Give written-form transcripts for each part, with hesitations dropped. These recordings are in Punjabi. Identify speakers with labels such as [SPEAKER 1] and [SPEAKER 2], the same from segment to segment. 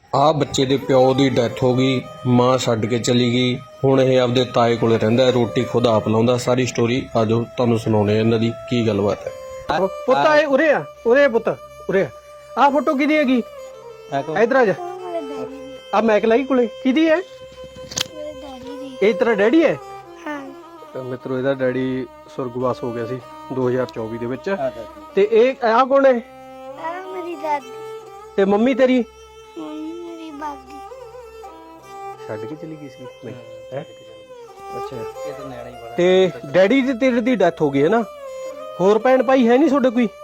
[SPEAKER 1] ਆ ਬੱਚੇ ਦੇ ਪਿਓ ਦੀ ਡੈਥ ਹੋ ਗਈ, ਮਾਂ ਛੱਡ ਕੇ ਚਲੀ ਗਈ। ਹੁਣ ਇਹ ਆਪਦੇ ਤਾਏ ਕੋਲੇ ਰਹਿੰਦਾ, ਰੋਟੀ ਖੁਦ ਆਪ ਲਾਉਂਦਾ। ਸਾਰੀ ਸਟੋਰੀ ਆਜੋ ਤੁਹਾਨੂੰ ਸੁਣਾਉਣੇ ਇਹਨਾਂ ਦੀ ਕੀ ਗੱਲਬਾਤ ਹੈ।
[SPEAKER 2] ਪੁੱਤ ਆਏ ਉਰੇ ਆ, ਉਰੇ ਪੁੱਤ ਉਰੇ ਆ ਫੋਟੋ ਕਿਹਦੀ ਹੈਗੀ? ਇਧਰ ਆ ਜਾ। ਆ ਮੈਕ ਲਾਈ ਕੋਲੇ ਕਿਹਦੀ ਹੈ? ਇਹ ਤੇਰਾ ਡੈਡੀ ਹੈ? ਹਾਂ ਮਿੱਤਰੋ, ਇਹਦਾ ਡੈਡੀ ਸੁਰਗਵਾਸ ਹੋ ਗਿਆ ਸੀ 2024 ਦੇ ਵਿੱਚ। ਤੇ ਇਹ ਆ ਕੌਣ ਹੈ?
[SPEAKER 3] ਮੇਰੀ ਦਾਦੀ
[SPEAKER 2] ਤੇ ਮੰਮੀ ਤੇਰੀ
[SPEAKER 3] ਮੇਰੀ ਬਾਗੀ
[SPEAKER 2] ਛੱਡ ਕੇ ਚਲੀ ਗਈ ਸੀ ਹੈ? ਅੱਛਾ। ਤੇ ਡੈਡੀ ਦੀ ਤੇਰੇ ਦੀ ਡੈਥ ਹੋ ਗਈ ਹੈ ਨਾ? ਹੋਰ ਭੈਣ ਭਾਈ ਹੈ ਨਹੀਂ ਤੁਹਾਡੇ ਕੋਈ?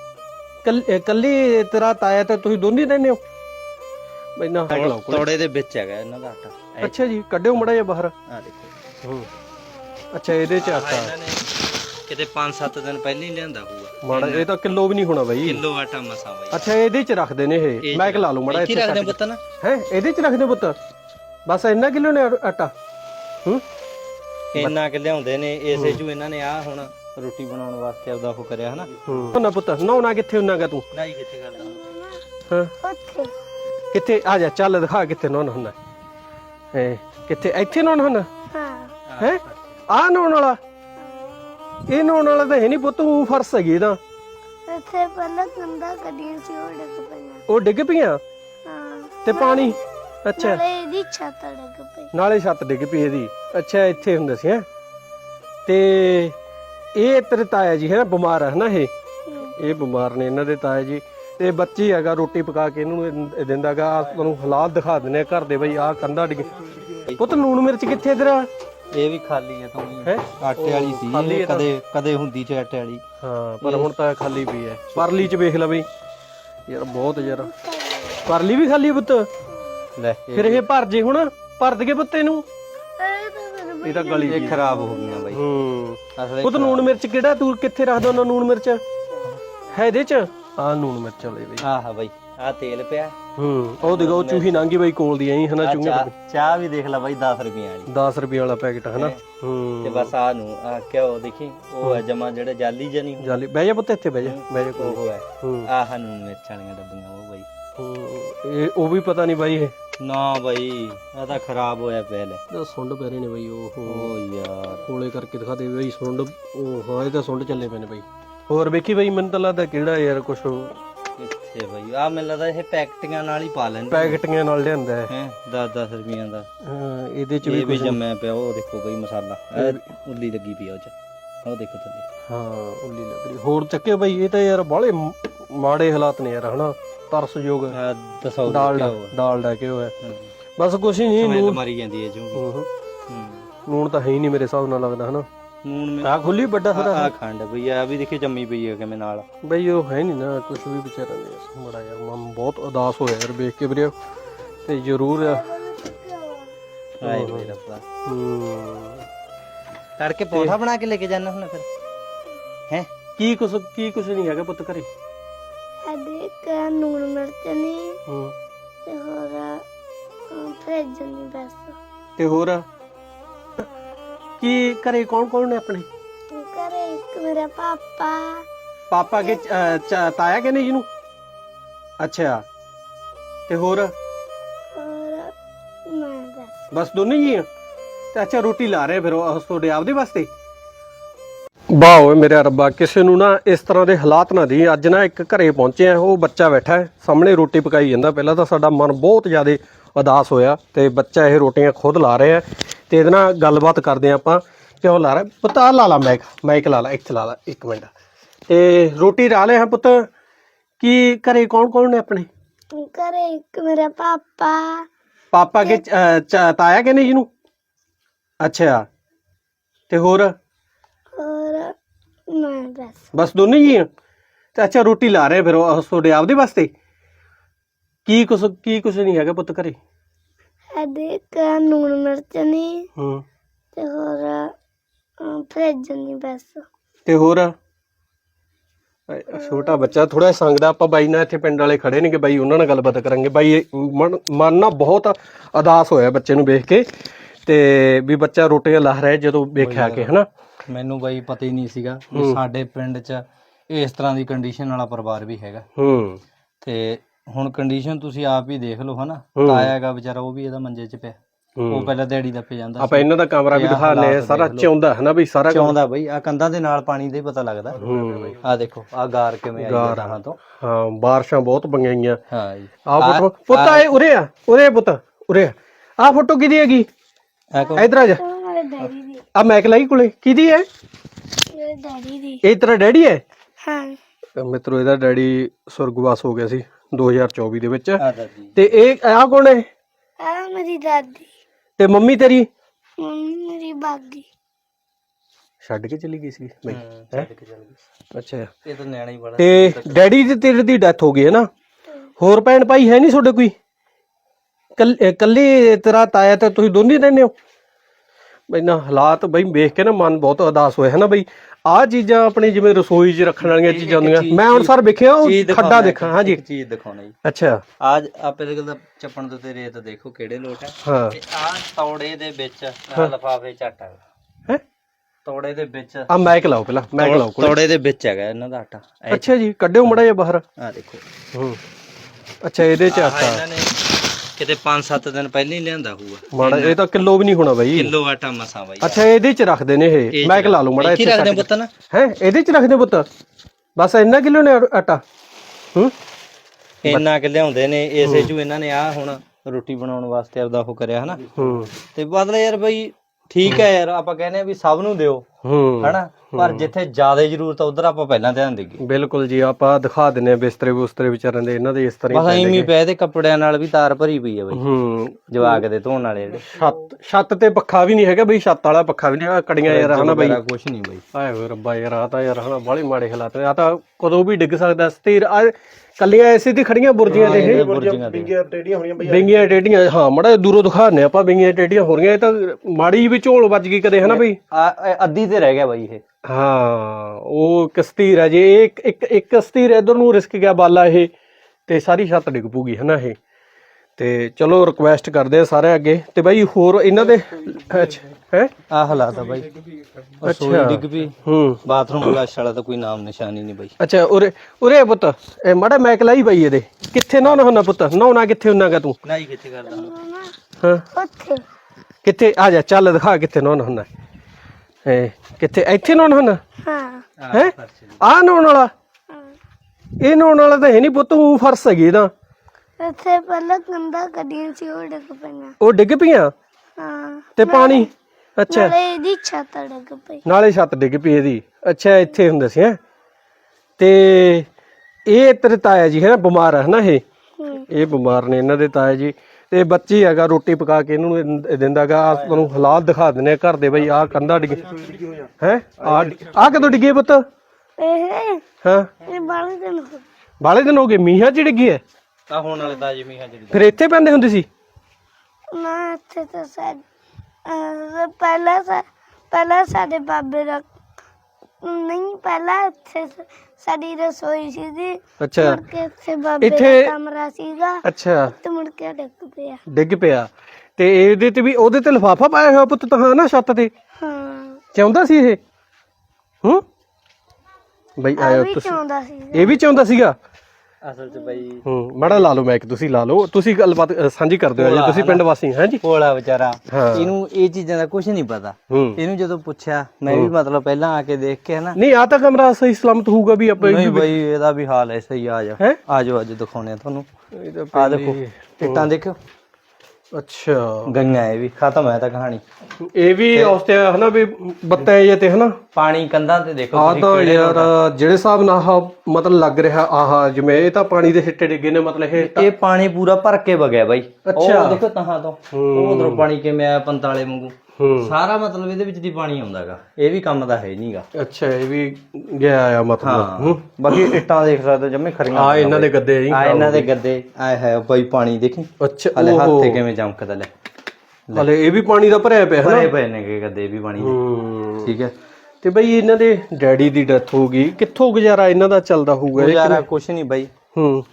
[SPEAKER 2] ਕੱਲੀ ਤੇਰਾ ਤਾਇਆ ਤੇ ਤੁਸੀਂ ਦੋਨੇ ਰਹਿੰਦੇ ਹੋ? ਮੈਨਾਂ
[SPEAKER 4] ਤੋੜੇ ਦੇ ਵਿੱਚ ਹੈਗਾ ਇਹਨਾਂ ਦਾ ਆਟਾ।
[SPEAKER 2] ਅੱਛਾ ਜੀ, ਕੱਢਿਓ ਮੜਾ ਜਿਹਾ ਬਾਹਰ।
[SPEAKER 4] ਆ ਦੇਖੋ।
[SPEAKER 2] ਅੱਛਾ, ਇਹਦੇ ਚ ਆਟਾ
[SPEAKER 4] ਕਿਤੇ 5-7 ਦਿਨ ਪਹਿਲਾਂ ਹੀ ਲਿਆਂਦਾ ਹੋਊਗਾ
[SPEAKER 2] ਮਾੜਾ। ਇਹ ਤਾਂ ਕਿਲੋ ਵੀ ਨਹੀਂ ਹੋਣਾ ਬਾਈ।
[SPEAKER 4] ਕਿਲੋ ਆਟਾ ਮਸਾ ਬਾਈ।
[SPEAKER 2] ਅੱਛਾ, ਇਹਦੇ ਚ ਰੱਖਦੇ ਨੇ ਇਹ। ਮੈਂ ਲਾ ਲੂ ਮੜਾ
[SPEAKER 4] ਇੱਥੇ ਰੱਖਦੇ ਪੁੱਤ ਨਾ।
[SPEAKER 2] ਹੈ ਇਹਦੇ ਚ ਰੱਖਦੇ ਪੁੱਤ? ਬਸ ਇੰਨਾ ਕਿਲੋ ਨੇ ਆਟਾ?
[SPEAKER 4] ਇੰਨਾ ਕਿ ਲਿਆਉਂਦੇ ਨੇ। ਇਸੇ ਚ ਇਹਨਾਂ ਨੇ ਆ ਹੁਣ ਰੋਟੀ ਬਣਾਉਣ ਵਾਸਤੇ ਆਪਦਾ ਉਹ ਕਰਿਆ ਹਨਾ।
[SPEAKER 2] ਨਾ ਪੁੱਤ ਨਹਾਉਣਾ ਕਿੱਥੇ ਹੁੰਨਾਗਾ ਤੂੰ?
[SPEAKER 4] ਨਹੀਂ ਕਿੱਥੇ ਕਰਦਾ
[SPEAKER 2] ਹਾਂ
[SPEAKER 3] ਉੱਥੇ
[SPEAKER 2] ਕਿੱਥੇ? ਆ ਜਾ, ਚੱਲ ਦਿਖਾ ਕਿੱਥੇ ਨਹਾਉਣਾ ਹੁੰਦਾ। ਕਿੱਥੇ? ਇੱਥੇ ਨਹਾਉਣਾ ਹੁੰਦਾ
[SPEAKER 3] ਹਾਂ
[SPEAKER 2] ਹੈ? ਆ ਨਹਾਉਣ ਵਾਲਾ? ਇਹ ਨਹਾਉਣ ਵਾਲਾ ਤਾਂ ਹੈ ਨਹੀਂ ਪੁੱਤ, ਉਹ ਫਰਸ ਹੈਗੀ ਇਹਦਾ।
[SPEAKER 3] ਉੱਥੇ ਪਹਿਲਾਂ ਕੰਦਾ ਕੱਢੀਆਂ ਸੀ, ਉਹ ਡਿੱਗ ਪਈਆਂ।
[SPEAKER 2] ਉਹ ਡਿੱਗ ਪਈਆਂ?
[SPEAKER 3] ਹਾਂ
[SPEAKER 2] ਤੇ ਪਾਣੀ? ਅੱਛਾ,
[SPEAKER 3] ਨਾਲੇ ਇਹਦੀ ਛੱਤ ਡਿੱਗ ਪਈ।
[SPEAKER 2] ਨਾਲੇ ਛੱਤ ਡਿੱਗ ਪਈ ਇਹਦੀ। ਅੱਛਾ, ਇੱਥੇ ਹੁੰਦੇ ਸੀ ਹੈ? ਤੇ ਇਹ ਤੇਰੇ ਤਾਇਆ ਜੀ ਹੈ ਨਾ, ਬਿਮਾਰ ਹੈ ਨਾ? ਇਹ ਬਿਮਾਰ ਨੇ ਇਹਨਾਂ ਦੇ ਤਾਇਆ ਜੀ। ਤੇ ਬੱਚੀ ਹੈਗਾ, ਰੋਟੀ ਪਕਾ ਕੇ ਇਹਨੂੰ ਦਿੰਦਾਗਾ। ਤੁਹਾਨੂੰ ਹਾਲਾਤ ਦਿਖਾ ਦਿੰਦੇ ਆ ਘਰ ਦੇ ਬਈ। ਆਹ ਕੰਧਾ ਡਿੱਗ। ਪੁੱਤ ਲੂਣ ਮਿਰਚ ਕਿੱਥੇ ਤੇਰਾ?
[SPEAKER 4] ਇਹ ਵੀ ਖਾਲੀ ਹੈ ਤੂੰ
[SPEAKER 2] ਹੈ?
[SPEAKER 4] ਆਟੇ ਵਾਲੀ ਸੀ ਇਹ, ਕਦੇ ਕਦੇ ਹੁੰਦੀ ਚ ਆਟੇ ਵਾਲੀ।
[SPEAKER 2] ਹਾਂ, ਪਰ ਹੁਣ ਤਾਂ ਖਾਲੀ ਪਈ ਹੈ। ਪਰਲੀ ਚ ਵੇਖ ਲੈ ਬਈ ਯਾਰ, ਬਹੁਤ ਯਾਰ। ਪਰਲੀ ਵੀ ਖਾਲੀ ਪੁੱਤ?
[SPEAKER 4] ਲੈ
[SPEAKER 2] ਫਿਰ ਇਹ ਭਰ ਜੇ ਹੁਣ, ਭਰ ਦਗੇ ਪੁੱਤ ਇਹਨੂੰ। ਇਹ ਤਾਂ ਗਲੀ
[SPEAKER 4] ਇਹ ਖਰਾਬ ਹੋ ਗਈਆਂ ਬਾਈ। ਅਸਲੇ
[SPEAKER 2] ਪੁੱਤ ਲੂਣ ਮਿਰਚ ਕਿਹੜਾ ਤੂੰ ਕਿੱਥੇ ਰੱਖਦਾ ਉਹਨਾਂ? ਲੂਣ ਮਿਰਚ ਹੈ ਇਹਦੇ ਚ? ਆਹ ਲੂਣ ਮਿਰਚ ਵਾਲੇ ਬਈ।
[SPEAKER 4] ਆਹ ਬਾਈ, ਆਹ ਤੇਲ ਪਿਆ।
[SPEAKER 2] ਉਹ ਦੇਖੋ, ਉਹ ਚੂਹੀ ਲੰਘੀ ਬਈ ਕੋਲ ਦੀ ਐਂ ਹਨਾ। ਚੂਹੀਆਂ
[SPEAKER 4] ਚਾਹ ਵੀ ਦੇਖ ਲੈ ਬਾਈ 10 ਰੁਪਏ ਵਾਲੀ।
[SPEAKER 2] 10 ਰੁਪਏ ਵਾਲਾ ਪੈਕਟ ਹਨਾ।
[SPEAKER 4] ਤੇ ਬਸ ਆ ਨੂੰ ਆ ਕਿਉਂ ਦੇਖੀ, ਉਹ ਹੈ ਜਮਾ ਜਿਹੜੇ ਜਾਲੀ ਜਾਂ ਨਹੀਂ
[SPEAKER 2] ਜਾਲੀ। ਬਹਿ ਜਾ ਪੁੱਤ ਇੱਥੇ, ਬਹਿ ਜਾ ਬਹਿ ਜਾ ਕੋਲ।
[SPEAKER 4] ਉਹ ਹੈ ਆਹ ਨੂੰ ਮਿਰਚ ਵਾਲੀਆਂ ਡੱਬੀਆਂ ਉਹ ਬਾਈ।
[SPEAKER 2] ਇਹ ਉਹ ਵੀ ਪਤਾ ਨਹੀਂ ਬਾਈ। ਇਹ
[SPEAKER 4] ਨਾ ਬਾਈ, ਇਹ ਤਾਂ ਖਰਾਬ ਹੋਇਆ ਪਿਆ ਲੈ।
[SPEAKER 2] ਤਾਂ ਸੁੰਡ ਪੈ ਰਹੇ ਨੇ ਬਾਈ।
[SPEAKER 4] ਓ ਯਾਰ,
[SPEAKER 2] ਕੋਲੇ ਕਰਕੇ ਦਿਖਾ ਦੇ ਬਾਈ ਸੁੰਡ। ਉਹ ਹਾਂ, ਇਹ ਤਾਂ ਸੁੰਡ ਚੱਲੇ ਪਏ ਨੇ ਬਾਈ। ਹੋਰ ਵੇਖੀ ਬਾਈ, ਮੈਨੂੰ ਤਾਂ ਲੱਗਦਾ ਕਿਹੜਾ ਯਾਰ ਕੁਛ
[SPEAKER 4] ਕਿੱਥੇ ਬਾਈ? ਆ ਮੈਨੂੰ ਲੱਗਦਾ ਇਹ ਪੈਕਟੀਆਂ ਨਾਲ ਹੀ ਪਾ ਲੈਂਦੇ
[SPEAKER 2] ਪੈਕਟੀਆਂ ਨਾਲ ਲਿਆਂਦਾ
[SPEAKER 4] ਹੈ 10-10 ਰੁਪਈਆਂ ਦਾ।
[SPEAKER 2] ਇਹਦੇ ਚ
[SPEAKER 4] ਇਹ ਵੀ ਜੰਮਿਆ ਪਿਆ। ਉਹ ਦੇਖੋ ਬਈ ਮਸਾਲਾ, ਉੱਲੀ ਲੱਗੀ ਪਈ ਉਹ ਚ। ਉਹ ਦੇਖੋ ਥੱਲੇ।
[SPEAKER 2] ਹਾਂ, ਉੱਲੀ ਲੱਗ ਰਹੀ। ਹੋਰ ਚੱਕੇ ਬਾਈ, ਇਹ ਤਾਂ ਯਾਰ ਬਾਹਲੇ ਮਾੜੇ ਹਾਲਾਤ ਨੇ ਯਾਰ ਹਨਾ। ਤਰਸਯੋਗ ਡਾਲਡਾ ਕਿ ਹੋਇਆ। ਬਸ ਕੁਛ ਹੀ ਨਹੀਂ।
[SPEAKER 4] ਨੂਣ ਮਾਰੀ ਜਾਂਦੀ ਹੈ ਜੋ।
[SPEAKER 2] ਨੂਣ ਤਾਂ ਹੈ ਹੀ ਨਹੀਂ ਮੇਰੇ ਹਿਸਾਬ ਨਾਲ ਲੱਗਦਾ ਹਨਾ।
[SPEAKER 4] ਨੂਣ
[SPEAKER 2] ਆ ਖੁੱਲੀ ਵੱਡਾ ਸਾਰਾ।
[SPEAKER 4] ਆ ਖੰਡ ਬਈ, ਆ ਵੀ ਦੇਖੇ ਜੰਮੀ ਪਈ ਹੈ ਕਿਵੇਂ ਨਾਲ
[SPEAKER 2] ਬਈ। ਉਹ ਹੈ ਨਹੀਂ ਨਾ ਕੁਛ ਵੀ ਵਿਚਾਰਾ ਨੇ। ਬੜਾ ਯਾਰ ਮਨ ਬਹੁਤ ਉਦਾਸ ਹੋਇਆ ਯਾਰ ਵੇਖ ਕੇ ਵੀਰੇ। ਤੇ ਜ਼ਰੂਰ
[SPEAKER 4] ਆਏ ਬਈ ਰੱਬਾ। ਤੜਕੇ ਪੌਂਠਾ ਬਣਾ ਕੇ ਲੈ ਕੇ ਜਾਣਾ ਹੁਣ ਫਿਰ ਹੈ? ਕੀ ਕੁਛ
[SPEAKER 2] ਨਹੀਂ ਹੈਗਾ ਪੁੱਤ ਘਰੇ?
[SPEAKER 3] ਇਹਦੇ ਕ ਨੂਣ ਮਿਰਚ ਨਹੀਂ ਤੇ ਹੋਰ ਫਰਿੱਜ ਨਹੀਂ ਬਸ।
[SPEAKER 2] ਤੇ ਹੋਰ ਕੀ ਘਰੇ ਕੌਣ ਨੇ ਆਪਣੇ?
[SPEAKER 3] ਘਰੇ ਇੱਕ ਮੇਰਾ
[SPEAKER 2] ਪਾਪਾ ਕੇ ਤਾਇਆ ਕਹਿੰਦੇ ਜਿਹਨੂੰ? ਅੱਛਾ। ਤੇ ਹੋਰ?
[SPEAKER 3] ਮੈਂ
[SPEAKER 2] ਬਸ ਦੋਨੇ ਜੀ ਆ? ਤੇ ਅੱਛਾ, ਰੋਟੀ ਲਾ ਰਹੇ ਫਿਰ ਤੁਹਾਡੇ ਆਪਦੇ ਵਾਸਤੇ? ਵਾਹ ਓਏ ਮੇਰਾ ਰੱਬਾ, ਕਿਸੇ ਨੂੰ ਨਾ ਇਸ ਤਰ੍ਹਾਂ ਦੇ ਹਾਲਾਤ ਨਾ ਦੀ। ਅੱਜ ਨਾ ਇੱਕ ਘਰੇ ਪਹੁੰਚੇ ਆ, ਉਹ ਬੱਚਾ ਬੈਠਾ ਹੈ ਸਾਹਮਣੇ ਰੋਟੀ ਪਕਾਈ ਜਾਂਦਾ। ਪਹਿਲਾਂ ਤਾਂ ਸਾਡਾ ਮਨ ਬਹੁਤ ਜ਼ਿਆਦਾ ਉਦਾਸ ਹੋਇਆ। ਤੇ ਬੱਚਾ ਇਹ ਰੋਟੀਆਂ ਖੁਦ ਲਾ ਰਿਹਾ ਤੇ ਇਹਦੇ ਨਾਲ ਗੱਲਬਾਤ ਕਰਦੇ ਆਪਾਂ। ਕਿਉਂ ਲਾ ਰਿਹਾ ਪੁੱਤ? ਆ ਲਾ ਲਾ ਮਾਈਕ ਲਾ ਲਾ, ਇੱਥੇ ਲਾ ਲਾ 1 ਮਿੰਟ। ਤੇ ਰੋਟੀ ਲਾ ਲਿਆ ਪੁੱਤ? ਕੀ ਘਰੇ ਕੌਣ ਨੇ ਆਪਣੇ?
[SPEAKER 3] ਘਰੇ ਇੱਕ ਮੇਰਾ
[SPEAKER 2] ਪਾਪਾ ਕੇ ਤਾਇਆ ਕਹਿੰਦੇ ਜਿਹਨੂੰ? ਅੱਛਾ। ਤੇ ਹੋਰ?
[SPEAKER 3] ਮੈਂ
[SPEAKER 2] ਬਸ ਦੋਨੇ ਜੀ ਆ? ਤੇ ਅੱਛਾ, ਰੋਟੀ ਲਾ ਰਹੇ ਫਿਰ ਤੁਹਾਡੇ ਆਪਦੇ ਵਾਸਤੇ? ਕੀ ਕੁਛ ਨਹੀਂ ਹੈਗਾ ਪੁੱਤ ਘਰੇ?
[SPEAKER 3] ਇਹਦੇ ਕ ਨੂਣ ਮਿਰਚ ਨਹੀਂ ਤੇ ਹੋਰ ਫਰਿੱਜ ਨਹੀਂ ਬਸ।
[SPEAKER 2] ਤੇ ਹੋਰ? ਛੋਟਾ ਬੱਚਾ ਥੋੜਾ ਸੰਗਦਾ। ਆਪਾਂ ਬਾਈ ਨਾਲ ਇੱਥੇ ਪਿੰਡ ਵਾਲੇ ਖੜੇ ਨੇ ਕਿ ਬਾਈ ਉਹਨਾਂ ਨਾਲ ਗੱਲਬਾਤ ਕਰਾਂਗੇ। ਬਾਈ ਮਨ ਨਾ ਬਹੁਤ ਉਦਾਸ ਹੋਇਆ ਬੱਚੇ ਨੂੰ ਵੇਖ ਕੇ। ਤੇ ਵੀ ਬੱਚਾ ਰੋਟੀਆਂ ਲਾ ਰਿਹਾ ਜਦੋਂ ਵੇਖਿਆ ਕਿ ਹਨਾ।
[SPEAKER 4] ਮੈਨੂੰ ਬਾਈ ਪਤਾ ਹੀ ਨਹੀਂ ਸੀਗਾ ਵੀ ਸਾਡੇ ਪਿੰਡ 'ਚ ਇਸ ਤਰ੍ਹਾਂ ਦੀ ਕੰਡੀਸ਼ਨ ਵਾਲਾ ਪਰਿਵਾਰ ਵੀ ਹੈਗਾ। ਤੇ ਹੁਣ ਕੰਡੀਸ਼ਨ ਤੁਸੀਂ ਆਪ ਹੀ ਦੇਖ ਲਓ ਹਨਾ।
[SPEAKER 2] ਹੂੰ।
[SPEAKER 4] ਤਾਇਆ ਹੈਗਾ ਵਿਚਾਰਾ, ਉਹ ਵੀ ਇਹਦਾ ਮੰਜੇ 'ਚ ਪਿਆ। ਉਹ ਪਹਿਲਾਂ ਦਿਹਾੜੀ ਦਾ ਪੇ ਜਾਂਦਾ
[SPEAKER 2] ਆਪਾਂ ਇਹਨਾਂ ਦਾ ਕਮਰਾ ਵੀ
[SPEAKER 4] ਤੇ ਆਹ
[SPEAKER 2] ਦਿਖਾ ਲਿਆ,
[SPEAKER 4] ਹਾਲਾਤ
[SPEAKER 2] ਸਾਰਾ
[SPEAKER 4] ਦੇਖ ਲਓ।
[SPEAKER 2] ਚਾਉਂਦਾ ਹੈ ਨਾ ਬਈ, ਸਾਰਾ ਕੁਛ।
[SPEAKER 4] ਚਾਉਂਦਾ ਬਈ, ਆ ਕੰਧਾਂ ਦੇ ਨਾਲ ਪਾਣੀ ਦਾ ਹੀ ਪਤਾ ਲੱਗਦਾ।
[SPEAKER 2] ਹੂੰ।
[SPEAKER 4] ਆ ਦੇਖੋ ਆ ਗਾਰ ਕਿਵੇਂ ਆਈ
[SPEAKER 2] ਗਾਰ।
[SPEAKER 4] ਰਾਹਾਂ ਤੋਂ।
[SPEAKER 2] ਹਾਂ ਬਾਰਿਸ਼ਾਂ ਬਹੁਤ ਪਈਆਂ।
[SPEAKER 4] ਹਾਂ ਜੀ।
[SPEAKER 2] ਆ ਫੋਟੋ ਪੁੱਤ ਆਏ ਉਰੇ ਆ, ਉਰੇ ਪੁੱਤ ਉਰੇ ਆ ਫੋਟੋ ਕਿਹਦੀ ਹੈਗੀ? ਇਧਰ ਆ ਜਾ।
[SPEAKER 3] ਮੇਰੇ ਡੈਡੀ ਦੀ।
[SPEAKER 2] ਆ ਮੈਕ ਲਾਈ ਕੋਲੇ ਕਿਹਦੀ ਹੈ?
[SPEAKER 3] ਮੇਰੇ ਡੈਡੀ ਦੀ।
[SPEAKER 2] ਇਹ ਤੇਰਾ ਡੈਡੀ ਹੈ?
[SPEAKER 3] ਹਾਂ।
[SPEAKER 2] ਮਿੱਤਰੋ ਇਹਦਾ ਡੈਡੀ ਸੁਰਗਵਾਸ ਹੋ ਗਿਆ ਸੀ 2024 ਦੇ ਵਿੱਚ।
[SPEAKER 4] ਆ ਦਾਦੀ।
[SPEAKER 2] ਤੇ ਇਹ ਆ ਕੌਣ ਹੈ?
[SPEAKER 3] ਆ ਮੇਰੀ ਦਾਦੀ।
[SPEAKER 2] ਤੇ ਮੰਮੀ ਤੇਰੀ
[SPEAKER 3] ਮੰਮੀ ਮੇਰੀ ਬਾਗੀ।
[SPEAKER 2] ਛੱਡ ਕੇ ਚਲੀ ਗਈ ਸੀ ਬਈ?
[SPEAKER 4] ਛੱਡ ਕੇ ਚੱਲ ਗਈ।
[SPEAKER 2] ਅੱਛਾ।
[SPEAKER 4] ਇਹ ਤਾਂ ਨਿਆਣਾ ਹੀ ਬੜਾ।
[SPEAKER 2] ਤੇ ਡੈਡੀ ਤੇ ਤੇਰੇ ਦੀ ਡੈਥ ਹੋ ਗਈ ਹੈ ਨਾ? ਹੋਰ ਭੈਣ ਭਾਈ ਹੈ ਨਹੀਂ ਤੁਹਾਡੇ ਕੋਈ? ਕੱਲੀ ਤੇਰਾ ਤਾਇਆ ਤੇ ਤੁਸੀਂ ਦੋਨੇ ਰਹਿੰਦੇ ਹੋ? ਬਈ ਨਾ ਹਾਲਾਤ ਬਈ ਵੇਖ ਕੇ ਨਾ ਮਨ ਬਹੁਤ ਉਦਾਸ ਹੋਇਆ ਹੈ ਨਾ ਬਈ। ਆਹ ਚੀਜ਼ਾਂ ਆਪਣੀ ਜਿਵੇਂ ਰਸੋਈ 'ਚ ਰੱਖਣ ਵਾਲੀਆਂ ਚੀਜ਼ਾਂ ਹੁੰਦੀਆਂ, ਮੈਂ ਹੁਣ ਸਰ ਵੇਖਿਆ ਉਹ ਖੱਡਾ ਦੇਖਾਂ। ਹਾਂਜੀ
[SPEAKER 4] ਚੀਜ਼ ਦਿਖਾਉਣਾ ਜੀ।
[SPEAKER 2] ਅੱਛਾ।
[SPEAKER 4] ਅੱਜ ਆਪੇ ਦੇ ਗੱਲ ਚੱਪਣ ਤੋਂ ਤੇ ਰੇਤ ਦੇਖੋ ਕਿਹੜੇ ਲੋਟ ਹੈ।
[SPEAKER 2] ਹਾਂ।
[SPEAKER 4] ਤੇ ਆ ਤੌੜੇ ਦੇ ਵਿੱਚ ਆਹ ਲਿਫਾਫੇ ਝੱਟ ਹੈਗਾ।
[SPEAKER 2] ਹੈ
[SPEAKER 4] ਤੌੜੇ ਦੇ ਵਿੱਚ
[SPEAKER 2] ਆ ਮੈਕ ਲਾਓ, ਪਹਿਲਾਂ ਮੈਕ ਲਾਓ ਕੋਲੇ।
[SPEAKER 4] ਤੌੜੇ ਦੇ ਵਿੱਚ ਹੈਗਾ ਇਹਨਾਂ ਦਾ ਆਟਾ।
[SPEAKER 2] ਅੱਛਾ ਜੀ, ਕੱਢਿਓ ਮੜਾ ਜਿਹਾ ਬਾਹਰ।
[SPEAKER 4] ਆ ਦੇਖੋ।
[SPEAKER 2] ਹੂੰ। ਅੱਛਾ ਇਹਦੇ 'ਚ
[SPEAKER 4] ਆਹ
[SPEAKER 2] ਆਟਾ
[SPEAKER 4] ਇਹਨਾਂ ਨੇ ਕਿਤੇ 5-7 ਦਿਨ ਪਹਿਲਾਂ ਹੀ ਲਿਆਂਦਾ ਹੋਊਗਾ।
[SPEAKER 2] ਮਾੜਾ, ਇਹ ਤਾਂ ਕਿਲੋ ਵੀ ਨਹੀਂ ਹੋਣਾ ਬਾਈ।
[SPEAKER 4] ਕਿਲੋ ਆਟਾ ਮਸਾਂ ਬਾਈ।
[SPEAKER 2] ਅੱਛਾ ਇਹਦੇ 'ਚ ਰੱਖਦੇ ਨੇ ਇਹ? ਮੈਕ ਲਾ ਲਓ ਮੜਾ
[SPEAKER 4] ਇੱਥੇ ਰੱਖਦੇ ਪੁੱਤ ਨਾ।
[SPEAKER 2] ਹੈ ਇਹਦੇ 'ਚ ਰੱਖਦੇ ਪੁੱਤ? ਬਸ ਇੰਨਾ ਕਿਲੋ ਨੇ ਆਟਾ? ਹੂੰ।
[SPEAKER 4] ਇੰਨਾ ਕਿ ਲਿਆਉਂਦੇ ਨੇ ਇਸੇ ਚੋਂ ਇਹਨਾਂ ਨੇ ਆ ਹੁਣ ਰੋਟੀ ਬਣਾਉਣ ਵਾਸਤੇ ਆਪਦਾ ਉਹ ਕਰਿਆ ਹਨਾ।
[SPEAKER 2] ਹੂੰ।
[SPEAKER 4] ਤੇ ਬਦਲ ਯਾਰ ਬਈ ਠੀਕ ਹੈ ਯਾਰ, ਆਪਾਂ ਕਹਿੰਦੇ ਆ ਵੀ ਸਭ ਨੂੰ ਦਿਓ
[SPEAKER 2] ਹੂੰ।
[SPEAKER 4] ਹਨਾ, ਪਰ ਜਿੱਥੇ ਜ਼ਿਆਦਾ ਜ਼ਰੂਰਤ ਆ ਉਧਰ ਆਪਾਂ ਪਹਿਲਾਂ ਧਿਆਨ ਦੇਈਏ।
[SPEAKER 2] ਬਿਲਕੁਲ ਜੀ, ਆਪਾਂ ਦਿਖਾ ਦਿੰਨੇ ਆ ਬਿਸਤਰੇ ਬੁਸਤਰੇ ਵਿਚਾਰਿਆਂ ਦੇ, ਇਹਨਾਂ ਦੇ ਇਸ ਤਰ੍ਹਾਂ
[SPEAKER 4] ਬਸ ਐਵੇਂ ਪਏ ਤੇ ਕੱਪੜਿਆਂ ਨਾਲ ਵੀ ਤਾਰ ਭਰੀ ਪਈ ਆ ਬਈ।
[SPEAKER 2] ਹੂੰ।
[SPEAKER 4] ਜਵਾਕ ਦੇ ਧੋਣ ਵਾਲੇ ਜਿਹੜੇ।
[SPEAKER 2] ਛੱਤ ਤੇ ਪੱਖਾ ਵੀ ਨਹੀਂ ਹੈਗਾ ਬਈ, ਛੱਤ ਵਾਲਾ ਪੱਖਾ ਵੀ ਨਹੀਂ ਹੈਗਾ, ਕੜੀਆਂ ਯਾਰ ਹਨਾ ਬਈ।
[SPEAKER 4] ਕੁਛ ਨਹੀਂ ਬਈ।
[SPEAKER 2] ਆਏ ਹੋਏ ਰੱਬਾ ਯਾਰ, ਆ ਤਾਂ ਯਾਰ ਹਨਾ ਬਾਹਲੇ ਮਾੜੇ ਹਾਲਾਤ ਨੇ। ਆ ਤਾਂ ਕਦੋਂ ਵੀ ਡਿੱਗ ਸਕਦਾ ਸਥਿਰ। ਆ ਕੱਲੀਆਂ ਐਸੇ ਤੇ ਖੜੀਆਂ ਬੁਰਜੀਆਂ ਤੇ ਇਹ ਵਿੰਗੀਆਂ ਟੇਡੀਆਂ। ਹਾਂ ਮੜਾ ਦੂਰੋਂ ਦਿਖਾਣੇ ਆਪਾਂ, ਵਿੰਗੀਆਂ ਟੇਡੀਆਂ ਹੋ ਰਹੀਆਂ। ਇਹ ਤਾਂ ਮਾੜੀ ਵੀ ਝੋਲ ਵੱਜ ਗਈ ਕਦੇ ਹਨਾ ਬਈ।
[SPEAKER 4] ਅੱਧੀ ਤੇ ਰਹਿ ਗਿਆ ਬਾਈ ਇਹ।
[SPEAKER 2] ਹਾਂ ਉਹ ਕਸਤੀਰ ਹੈ ਜੀ, ਇਹ ਇੱਕ ਕਸਤੀਰ ਇਧਰ ਨੂੰ ਰਿਸਕ ਗਿਆ ਬਾਲਾ ਇਹ, ਤੇ ਸਾਰੀ ਛੱਤ ਡਿੱਗ ਪੂਗੀ ਹਨਾ ਇਹ। ਤੇ ਚਲੋ ਰਿਕੁਐਸਟ ਕਰਦੇ ਆ ਸਾਰੇ ਅੱਗੇ। ਤੇ ਬਾਈ ਹੋਰ ਇਹਨਾਂ ਦੇ ਅੱਛਾ ਹੈ
[SPEAKER 4] ਆ ਹਾਲਾਤ ਆ ਬਾਈ। ਰਸੋਈ ਡਿੱਗ ਪਈ।
[SPEAKER 2] ਹੂੰ।
[SPEAKER 4] ਬਾਥਰੂਮ ਫਲਸ਼ ਵਾਲਾ ਤਾਂ ਕੋਈ ਨਾਮ ਨਿਸ਼ਾਨੀ ਨਹੀਂ ਬਾਈ।
[SPEAKER 2] ਅੱਛਾ ਉਰੇ ਉਰੇ ਪੁੱਤ, ਇਹ ਮਾੜਾ ਮੈਕ ਲਾਈ ਬਾਈ ਇਹਦੇ। ਕਿੱਥੇ ਨਹਾਉਣਾ ਹੁੰਦਾ ਪੁੱਤ? ਨਹਾਉਣਾ ਕਿੱਥੇ ਹੁੰਦਾਗਾ ਤੂੰ?
[SPEAKER 4] ਨਹੀਂ ਕਿੱਥੇ ਕਰਦਾ
[SPEAKER 2] ਹਾਂ
[SPEAKER 3] ਉੱਥੇ।
[SPEAKER 2] ਕਿੱਥੇ? ਆ ਜਾ ਚੱਲ ਦਿਖਾ ਕਿੱਥੇ ਨਹਾਉਣਾ ਹੁੰਦਾ। ਕਿੱਥੇ? ਇੱਥੇ ਨਹਾਉਣਾ ਹੁੰਦਾ?
[SPEAKER 3] ਹਾਂ।
[SPEAKER 2] ਹੈ ਆ ਨਹਾਉਣ ਵਾਲਾ?
[SPEAKER 3] ਹਾਂ।
[SPEAKER 2] ਇਹ ਨਹਾਉਣ ਵਾਲਾ ਤਾਂ ਹੈ ਨਹੀਂ ਪੁੱਤ, ਉਹ ਫਰਸ਼ ਹੈਗੀ ਇਹਦਾ।
[SPEAKER 3] ਇੱਥੇ ਪਹਿਲਾਂ ਕੰਧਾਂ ਕੱਢੀਆਂ ਸੀ, ਉਹ ਡਿੱਗ ਪਈਆਂ।
[SPEAKER 2] ਉਹ ਡਿੱਗ ਪਈਆਂ?
[SPEAKER 3] ਹਾਂ।
[SPEAKER 2] ਤੇ ਪਾਣੀ? ਅੱਛਾ
[SPEAKER 3] ਨਾਲੇ ਇਹਦੀ ਛੱਤ ਡਿੱਗ ਪਈ।
[SPEAKER 2] ਨਾਲੇ ਛੱਤ ਡਿੱਗ ਪਈ ਇਹਦੀ? ਅੱਛਾ ਇੱਥੇ ਹੁੰਦੇ ਸੀ ਹੈ। ਤੇ ਇਹ ਤੇਰੇ ਤਾਇਆ ਜੀ ਹੈ ਨਾ, ਬਿਮਾਰ ਹੈ ਨਾ ਇਹ? ਇਹ ਬਿਮਾਰ ਨੇ ਇਹਨਾਂ ਦੇ ਤਾਇਆ ਜੀ। ਤੇ ਬੱਚੀ ਹੈਗਾ ਰੋਟੀ ਪਕਾ ਕੇ ਇਹਨਾਂ ਨੂੰ ਦਿੰਦਾਗਾ। ਆ ਤੁਹਾਨੂੰ ਹਾਲਾਤ ਦਿਖਾ ਦਿੰਦੇ ਆ ਘਰ ਦੇ ਬਈ। ਆ ਕੰਧਾ ਡਿੱਗ ਹੈ। ਆ ਕਦੋਂ ਡਿੱਗੀ ਪੁੱਤ?
[SPEAKER 3] ਇਹ
[SPEAKER 2] ਹਾਂ
[SPEAKER 3] ਇਹ ਬਾਲੇ ਦਿਨ ਹੋ ਗਏ।
[SPEAKER 2] ਬਾਲੇ ਦਿਨ ਹੋ ਗਏ? ਮੀਂਹਾਂ ਚ ਡਿੱਗੀ ਹੈ?
[SPEAKER 4] ਆ ਹੁਣ ਵਾਲੇ ਤਾਜੀ ਮੀਂਹਾਂ ਜਿਹੜੀ
[SPEAKER 2] ਫਿਰ ਇੱਥੇ ਪੈਂਦੇ ਹੁੰਦੇ ਸੀ?
[SPEAKER 3] ਨਾ ਇੱਥੇ ਤਾਂ ਪਹਿਲਾਂ ਸਾਡੇ ਬਾਬੇ ਦਾ ਨਹੀਂ, ਪਹਿਲਾਂ ਇੱਥੇ ਸਾਡੀ ਰਸੋਈ ਸੀਗੀ।
[SPEAKER 2] ਅੱਛਾ।
[SPEAKER 3] ਮੁੜ ਕੇ ਇੱਥੇ ਬਾਬੇ ਦਾ ਕਮਰਾ ਸੀਗਾ।
[SPEAKER 2] ਅੱਛਾ।
[SPEAKER 3] ਤੇ ਮੁੜ ਕੇ ਡਿੱਗ ਪਿਆ।
[SPEAKER 2] ਡਿੱਗ ਪਿਆ। ਤੇ ਇਹਦੇ ਤੇ ਵੀ ਉਹਦੇ ਤੇ ਲਿਫਾਫਾ ਪਾਇਆ ਹੋਇਆ ਪੁੱਤ ਤਾਂ ਨਾ ਛੱਤ ਤੇ?
[SPEAKER 3] ਹਾਂ।
[SPEAKER 2] ਚਾਹੁੰਦਾ ਸੀ ਇਹ? ਹੂੰ ਬਈ ਆਇਓ
[SPEAKER 3] ਵੀ
[SPEAKER 2] ਤੁਸੀਂ।
[SPEAKER 3] ਚਾਹੁੰਦਾ ਸੀ।
[SPEAKER 2] ਇਹ ਵੀ ਚਾਹੁੰਦਾ ਸੀਗਾ?
[SPEAKER 4] ਅਸਲ ਚ ਬਾਈ
[SPEAKER 2] ਹੂੰ ਮਾੜਾ ਲਾ ਲਓ ਮੈਕ, ਤੁਸੀਂ ਲਾ ਲਓ, ਤੁਸੀਂ ਗੱਲਬਾਤ ਸਾਂਝੀ ਕਰਦੇ ਹੋ ਜੀ, ਤੁਸੀਂ ਪਿੰਡ ਵਾਸੀ ਹੈ ਜੀ।
[SPEAKER 4] ਭੋਲਾ ਵਿਚਾਰਾ,
[SPEAKER 2] ਹਾਂ।
[SPEAKER 4] ਇਹਨੂੰ ਇਹ ਚੀਜ਼ਾਂ ਦਾ ਕੁਝ ਨਹੀਂ ਪਤਾ।
[SPEAKER 2] ਹੂੰ।
[SPEAKER 4] ਇਹਨੂੰ ਜਦੋਂ ਪੁੱਛਿਆ ਮੈਂ ਵੀ ਮਤਲਬ ਪਹਿਲਾਂ ਆ ਕੇ ਦੇਖ ਕੇ ਹਨਾ।
[SPEAKER 2] ਨਹੀਂ ਆ ਤਾਂ ਕਮਰਾ ਸਹੀ ਸਲਾਮਤ ਹੋਊਗਾ ਵੀ ਆਪਾਂ?
[SPEAKER 4] ਨਹੀਂ ਬਾਈ ਇਹਦਾ ਵੀ ਹਾਲ ਐਸਾ ਹੀ। ਆ ਜਾ
[SPEAKER 2] ਹੈਂ?
[SPEAKER 4] ਆ ਜਾਓ ਅੱਜ ਦਿਖਾਉਣੇ ਆ ਤੁਹਾਨੂੰ। ਆ ਦੇਖੋ ਇੱਟਾਂ ਦੇਖਿਓ।
[SPEAKER 2] ਅੱਛਾ
[SPEAKER 4] ਗਈਆਂ, ਇਹ ਵੀ ਖਤਮ ਹੈ ਤਾਂ ਕਹਾਣੀ।
[SPEAKER 2] ਇਹ ਵੀ ਉਸ ਤੇ ਹਨਾ ਵੀ ਬੱਤੇ ਜੇ ਤੇ ਹਨਾ
[SPEAKER 4] ਪਾਣੀ ਕੰਧਾਂ ਤੇ ਦੇਖੋ
[SPEAKER 2] ਆ ਤਾਂ ਯਾਰ ਜਿਹੜੇ ਹਿਸਾਬ ਨਾਲ ਆਹ ਮਤਲਬ ਲੱਗ ਰਿਹਾ ਆਹ ਜਿਵੇਂ ਇਹ ਤਾਂ ਪਾਣੀ ਦੇ ਸਿੱਟੇ ਡਿੱਗੇ ਨੇ ਮਤਲਬ
[SPEAKER 4] ਇਹ ਪਾਣੀ ਪੂਰਾ ਭਰ ਕੇ ਵਗਿਆ ਬਾਈ।
[SPEAKER 2] ਅੱਛਾ।
[SPEAKER 4] ਉਹ ਦੇਖੋ ਤਹਾਂ ਤੋਂ ਉਹ ਉਧਰੋਂ ਪਾਣੀ ਕਿਵੇਂ ਆਇਆ ਪੰਤਾਲੇ ਵਾਂਗੂ।
[SPEAKER 2] ਹੂੰ।
[SPEAKER 4] ਸਾਰਾ ਮਤਲਬ ਇਹਦੇ ਵਿੱਚ ਦੀ ਪਾਣੀ ਆਉਂਦਾਗਾ। ਇਹ ਵੀ ਕੰਮ ਦਾ ਹੈ ਨਹੀਂਗਾ।
[SPEAKER 2] ਅੱਛਾ ਇਹ ਵੀ ਗਿਆ ਆ ਮਤਲਬ।
[SPEAKER 4] ਹਾਂ ਬਾਕੀ ਇੱਟਾਂ ਦੇਖ ਸਕਦੇ ਜੰਮੇ ਖੜੀਆਂ।
[SPEAKER 2] ਆ ਇਹਨਾਂ ਦੇ ਗੱਦੇ ਜੀ?
[SPEAKER 4] ਆ ਇਹਨਾਂ ਦੇ ਗੱਦੇ ਆਏ ਹੈ ਬਾਈ। ਪਾਣੀ ਦੇਖੀ
[SPEAKER 2] ਅੱਛਾ
[SPEAKER 4] ਹਲੇ ਹੱਥ ਤੇ ਕਿਵੇਂ ਚਮਕਦਾ ਲੈ।
[SPEAKER 2] ਹਲੇ ਇਹ ਵੀ ਪਾਣੀ ਦਾ ਭਰਿਆ ਪਿਆ ਹੈ
[SPEAKER 4] ਭਰੇ ਪਏ ਨੇ ਗੱਦੇ ਵੀ ਪਾਣੀ ਦੇ।
[SPEAKER 2] ਹੂੰ।
[SPEAKER 4] ਠੀਕ ਹੈ।
[SPEAKER 2] ਤੇ ਬਈ ਇਹਨਾਂ ਦੇ ਡੈਡੀ ਦੀ ਡੈਥ ਹੋ ਗਈ, ਕਿੱਥੋਂ ਗੁਜ਼ਾਰਾ ਇਹਨਾਂ ਦਾ ਚੱਲਦਾ ਹੋਊਗਾ?
[SPEAKER 4] ਗੁਜ਼ਾਰਾ ਕੁਛ ਨਹੀਂ ਬਾਈ।
[SPEAKER 2] ਹੂੰ।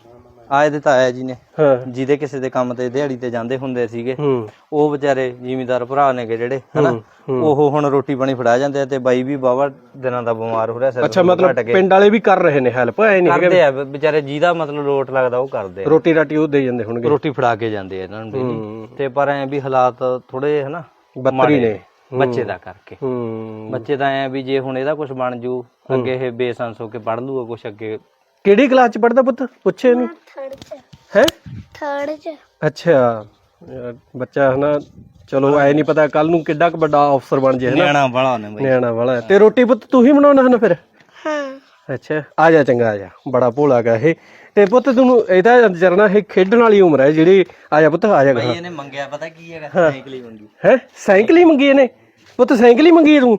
[SPEAKER 4] ਆ ਇਹਦੇ ਤਾਇਆ ਜੀ ਨੇ,
[SPEAKER 2] ਹਾਂ
[SPEAKER 4] ਜਿਹਦੇ ਕਿਸੇ ਦੇ ਕੰਮ ਤੇ ਦਿਹਾੜੀ ਤੇ ਜਾਂਦੇ ਹੁੰਦੇ ਸੀਗੇ,
[SPEAKER 2] ਹੂੰ
[SPEAKER 4] ਉਹ ਵਿਚਾਰੇ ਜ਼ਿਮੀਂਦਾਰ ਭਰਾ ਨੇਗੇ ਜਿਹੜੇ ਹਨਾ, ਉਹ ਹੁਣ ਰੋਟੀ ਪਾਣੀ ਫੜਾ ਜਾਂਦੇ ਆ ਤੇ ਬਾਈ ਵੀ ਬਾਵਾ ਦਿਨਾਂ ਦਾ ਬਿਮਾਰ ਹੋ ਰਿਹਾ ਸਿਰ
[SPEAKER 2] ਅੱਛਾ ਮਤਲਬ ਪਿੰਡ ਵਾਲੇ ਵੀ ਕਰ ਰਹੇ ਨੇ ਹੈਲਪ, ਐ ਨਹੀਂ
[SPEAKER 4] ਕਰਦੇ ਆ ਵਿਚਾਰੇ, ਜਿਹਦਾ ਮਤਲਬ ਲੋਟ ਲੱਗਦਾ ਉਹ ਕਰਦੇ ਆ,
[SPEAKER 2] ਰੋਟੀ ਰਾਟੀ ਉਹ ਦੇ ਜਾਂਦੇ ਹੋਣਗੇ,
[SPEAKER 4] ਰੋਟੀ ਫੜਾ ਕੇ ਜਾਂਦੇ ਆ ਇਹਨਾਂ ਨੂੰ daily। ਤੇ ਪਰ ਐ ਵੀ ਹਾਲਾਤ ਥੋੜੇ ਹਨਾ
[SPEAKER 2] ਬੱਤਰੀ ਨੇ
[SPEAKER 4] ਬੱਚੇ ਦਾ ਕਰਕੇ,
[SPEAKER 2] ਹੂੰ
[SPEAKER 4] ਬੱਚੇ ਦਾ ਐ ਵੀ ਜੇ ਹੁਣ ਇਹਦਾ ਕੁਝ ਬਣ ਜੂ ਅੱਗੇ ਇਹ ਬੇਸੰਸ ਹੋ ਕੇ ਪੜ ਲੂਗਾ ਕੁਝ ਅੱਗੇ।
[SPEAKER 2] ਕਿਹੜੀ ਕਲਾਸ ਚ ਪੜਦਾ ਪੁੱਤ ਪੁੱਛੇ ਇਹਨੂੰ?
[SPEAKER 3] ਥਰਡ ਚ
[SPEAKER 2] ਹੈ
[SPEAKER 3] ਥਰਡ ਚ
[SPEAKER 2] ਅੱਛਾ ਯਾਰ ਬੱਚਾ ਹਨਾ, ਚਲੋ ਐ ਨਹੀਂ ਪਤਾ ਕੱਲ ਨੂੰ ਕਿੱਡਾ ਕੁ ਵੱਡਾ ਅਫਸਰ ਬਣ ਜੇ ਹਨਾ,
[SPEAKER 4] ਨਿਆਣਾ ਬੜਾ ਨੇ ਬਾਈ।
[SPEAKER 2] ਨਿਆਣਾ ਵਾਲਾ। ਤੇ ਰੋਟੀ ਪੁੱਤ ਤੂੰ ਹੀ ਬਣਾਉਣਾ ਹਨਾ ਫਿਰ?
[SPEAKER 3] ਹਾਂ
[SPEAKER 2] ਅੱਛਾ ਆ ਜਾ ਚੰਗਾ ਆ ਜਾ, ਬੜਾ ਭੋਲਾ ਗਾ ਇਹ। ਤੇ ਪੁੱਤ ਤੈਨੂੰ ਇਹਦਾ ਜਰਨਾ ਇਹ ਖੇਡਣ ਵਾਲੀ ਉਮਰ ਹੈ ਜਿਹੜੀ, ਆ ਜਾ ਪੁੱਤ ਆ ਜਾ।
[SPEAKER 4] ਬਾਈ ਇਹਨੇ ਮੰਗਿਆ ਪਤਾ ਕੀ ਹੈਗਾ, ਸਾਈਕਲ ਹੀ ਮੰਗੀ।
[SPEAKER 2] ਹੈ ਸਾਈਕਲ ਹੀ ਮੰਗੀ ਇਹਨੇ? ਪੁੱਤ ਸਾਈਕਲ ਹੀ ਮੰਗੀ ਤੂੰ?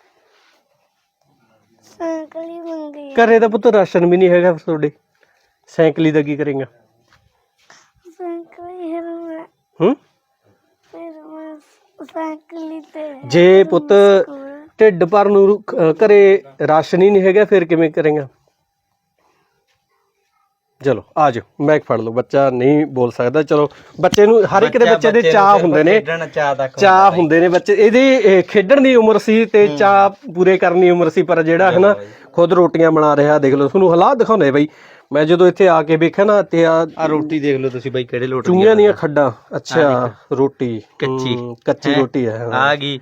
[SPEAKER 3] ਸਾਈਕਲ ਹੀ ਮੰਗੀ
[SPEAKER 2] ਘਰੇ ਤਾਂ ਪੁੱਤ ਰਾਸ਼ਨ ਵੀ ਨਹੀਂ ਹੈਗਾ ਤੁਹਾਡੇ, ਸਾਈਕਲ ਹੀ ਦਾ ਕੀ ਕਰੇਗਾ?
[SPEAKER 3] ਸਾਈਕਲ ਹੀ ਮੈਂ
[SPEAKER 2] ਹੂੰ
[SPEAKER 3] ਸਾਈਕਲ ਹੀ ਤੇ
[SPEAKER 2] ਜੇ ਪੁੱਤ ਢਿੱਡ ਭਰ ਨੂੰ ਘਰੇ ਰਾਸ਼ਨ ਹੀ ਨਹੀਂ ਹੈਗਾ ਫਿਰ ਕਿਵੇਂ ਕਰੇਗਾ? ਚਲੋ ਆ ਜਾਓ, ਮੈਕ ਫੜ ਲਓ। ਬੱਚਾ ਨਹੀਂ ਬੋਲ ਸਕਦਾ, ਚਲੋ ਬੱਚੇ ਨੂੰ ਹਰ ਇੱਕ ਦੇ ਬੱਚੇ ਦੇ ਚਾਹ ਹੁੰਦੇ ਨੇ, ਚਾਹ ਹੁੰਦੇ ਨੇ ਬੱਚੇ। ਇਹਦੀ ਖੇਡਣ ਦੀ ਉਮਰ ਸੀ ਤੇ ਚਾਹ ਪੂਰੇ ਕਰਨ ਦੀ ਉਮਰ ਸੀ, ਪਰ ਜਿਹੜਾ ਹੈ ਨਾ ਖੁਦ ਰੋਟੀਆਂ ਬਣਾ ਰਿਹਾ। ਦੇਖ ਲਓ ਤੁਹਾਨੂੰ ਹਾਲਾਤ ਦਿਖਾਉਂਦੇ ਬਈ, ਮੈਂ ਜਦੋਂ ਇੱਥੇ ਆ ਕੇ ਵੇਖਿਆ ਨਾ ਤੇ ਆ
[SPEAKER 4] ਰੋਟੀ ਦੇਖ ਲਓ ਤੁਸੀਂ ਬਾਈ ਕਿਹੜੇ ਲੋਟ
[SPEAKER 2] ਚੂਹੀਆਂ ਦੀਆਂ ਖੱਡਾਂ। ਅੱਛਾ ਰੋਟੀ ਕੱਚੀ ਰੋਟੀ ਹੈ
[SPEAKER 4] ਆ ਗਈ।